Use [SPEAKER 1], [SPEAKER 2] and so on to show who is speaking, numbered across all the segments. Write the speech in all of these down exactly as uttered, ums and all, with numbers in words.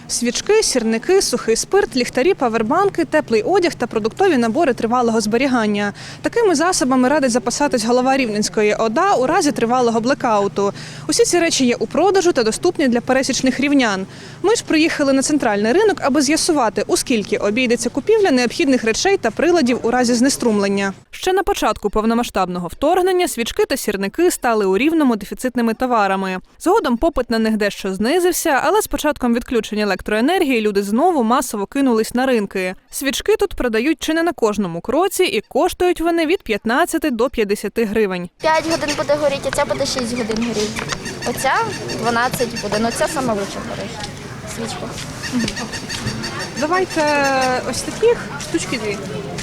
[SPEAKER 1] Свічки, сірники, сухий спирт, ліхтарі, павербанки, теплий одяг та продуктові набори тривалого зберігання. Такими засобами радить запасатись голова Рівненської ОДА у разі тривалого блекауту. Усі ці речі є у продажу та доступні для пересічних рівнян. Ми ж приїхали на центральний ринок, аби з'ясувати, у скільки обійдеться купівля необхідних речей та приладів у разі знеструмлення. Ще на початку повномасштабного вторгнення свічки та сірники стали у Рівному дефіцитними товарами. Згодом попит на них дещо знизився, але з початком відключення електроенергії люди знову масово кинулись на ринки. Свічки тут продають чи не на кожному кроці і коштують вони від п'ятнадцяти до п'ятдесяти гривень.
[SPEAKER 2] п'ять годин буде горіти, оця буде шість годин горіти. Оця дванадцять годин, оця саме лучше горить свічка.
[SPEAKER 1] Давайте ось таких штучки дві.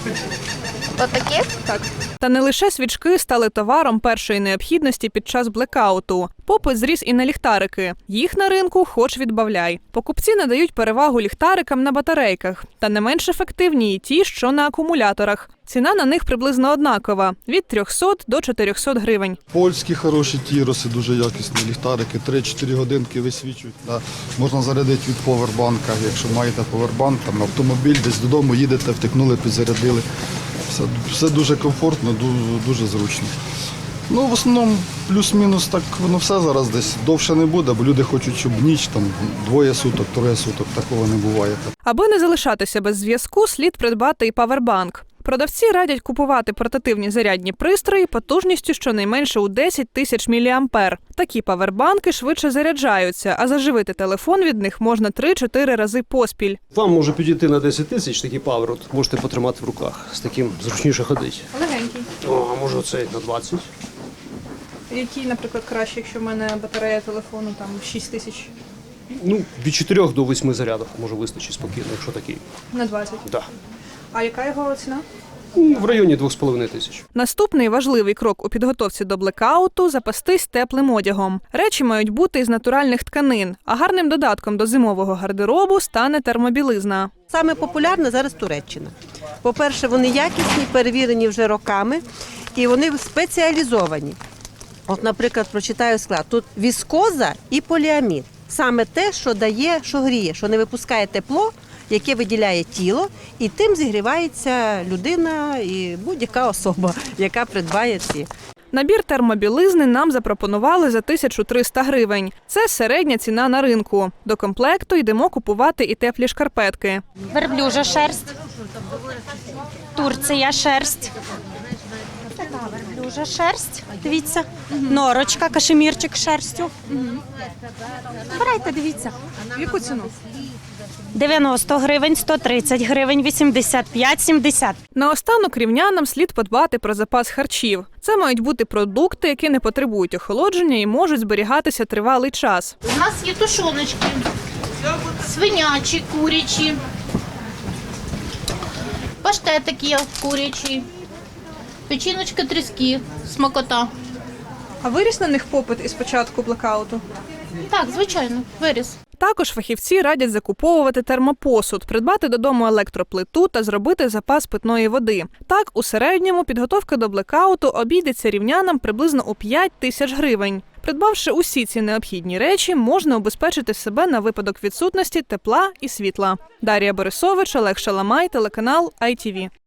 [SPEAKER 2] Отаких?
[SPEAKER 1] Так. Та не лише свічки стали товаром першої необхідності під час блекауту. Попит зріс і на ліхтарики. Їх на ринку хоч відбавляй. Покупці надають перевагу ліхтарикам на батарейках. Та не менш ефективні і ті, що на акумуляторах. Ціна на них приблизно однакова – від трьохсот до чотирьохсот гривень.
[SPEAKER 3] Польські хороші тіроси, дуже якісні ліхтарики, три-чотири годинки висвічують. Да. Можна зарядити від повербанка, якщо маєте повербанк, там автомобіль, десь додому їдете, втикнули, підзарядили. Все, все дуже комфортно, дуже, дуже зручно. Ну, в основному, плюс-мінус, так воно все зараз десь довше не буде, бо люди хочуть, щоб ніч, там, двоє суток, троє суток, такого не буває.
[SPEAKER 1] Аби не залишатися без зв'язку, слід придбати і павербанк. Продавці радять купувати портативні зарядні пристрої потужністю щонайменше у десять тисяч міліампер. Такі павербанки швидше заряджаються, а заживити телефон від них можна три-чотири рази поспіль.
[SPEAKER 4] Вам може підійти на десять тисяч такий павер, от можете потримати в руках. З таким зручніше ходити.
[SPEAKER 1] Легенький.
[SPEAKER 4] О, а може оцей на двадцять.
[SPEAKER 1] Який, наприклад, краще, якщо в мене батарея телефону там шість тисяч?
[SPEAKER 4] Ну, від чотирьох до восьми зарядів може вистачити спокійно, якщо такий.
[SPEAKER 1] На двадцять?
[SPEAKER 4] Да.
[SPEAKER 1] А яка його ціна?
[SPEAKER 4] Ну, в районі двох з половиною тисяч.
[SPEAKER 1] Наступний важливий крок у підготовці до блекауту – запастись теплим одягом. Речі мають бути із натуральних тканин, а гарним додатком до зимового гардеробу стане термобілизна.
[SPEAKER 5] Саме популярна зараз Туреччина. По-перше, вони якісні, перевірені вже роками, і вони спеціалізовані. От, наприклад, прочитаю склад. Тут віскоза і поліамід. Саме те, що дає, що гріє, що не випускає тепло, яке виділяє тіло, і тим зігрівається людина і будь-яка особа, яка придбає ці.
[SPEAKER 1] Набір термобілизни нам запропонували за тисячу триста гривень. Це середня ціна на ринку. До комплекту йдемо купувати і теплі шкарпетки.
[SPEAKER 6] Верблюжа шерсть, Турція шерсть, верблюжа шерсть, дивіться, норочка, кашемірчик з шерстю. Брайте, дивіться.
[SPEAKER 1] Яку ціну?
[SPEAKER 6] дев'яносто гривень, сто тридцять гривень, вісімдесят п'ять, сімдесят.
[SPEAKER 1] Наостанок рівнянам слід подбати про запас харчів. Це мають бути продукти, які не потребують охолодження і можуть зберігатися тривалий час.
[SPEAKER 7] У нас є тушоночки, свинячі, курячі, паштетики є курячі, печіночка, тріски, смакота.
[SPEAKER 1] А виріс на них попит із початку блекауту?
[SPEAKER 7] Так, звичайно, виріс.
[SPEAKER 1] Також фахівці радять закуповувати термопосуд, придбати додому електроплиту та зробити запас питної води. Так, у середньому підготовка до блекауту обійдеться рівнянам приблизно у п'ять тисяч гривень. Придбавши усі ці необхідні речі, можна убезпечити себе на випадок відсутності тепла і світла. Дар'я Борисович, Олег Шаламай, телеканал ай ті ві.